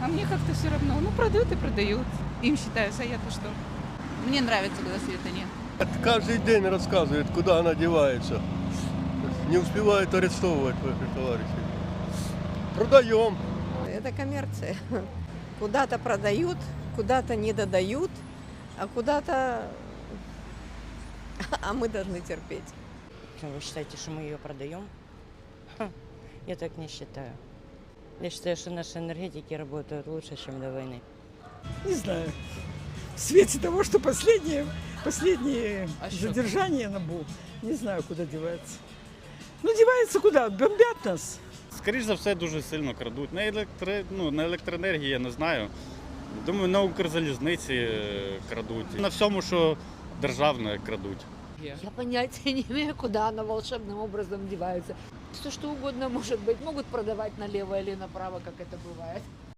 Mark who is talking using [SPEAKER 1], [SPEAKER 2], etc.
[SPEAKER 1] А мне как-то все равно. Ну, продают и продают. Им считаются, а я-то что? Мне нравится, когда света нет.
[SPEAKER 2] Каждый день рассказывает, куда она девается. Не успевает арестовывать ваших товарищей. Продаем.
[SPEAKER 3] Это коммерция. Куда-то продают, куда-то не додают, а куда-то... А мы должны терпеть.
[SPEAKER 4] Вы считаете, что мы ее продаем? Я так не считаю. Я считаю, что наши энергетики работают лучше, чем до войны.
[SPEAKER 5] Не знаю. В свете того, что последние задержания на БУ, не знаю, куда девается. Ну, девается куда? Бомбят нас.
[SPEAKER 6] Скоріше за все, дуже сильно крадуть. На електроенергії я не знаю. Думаю, на Укрзалізниці крадуть. На всьому, що державне, крадуть.
[SPEAKER 7] Я понятия не имею, куда она волшебным образом девается. Все что угодно может быть. Могут продавать налево или направо, как это бывает.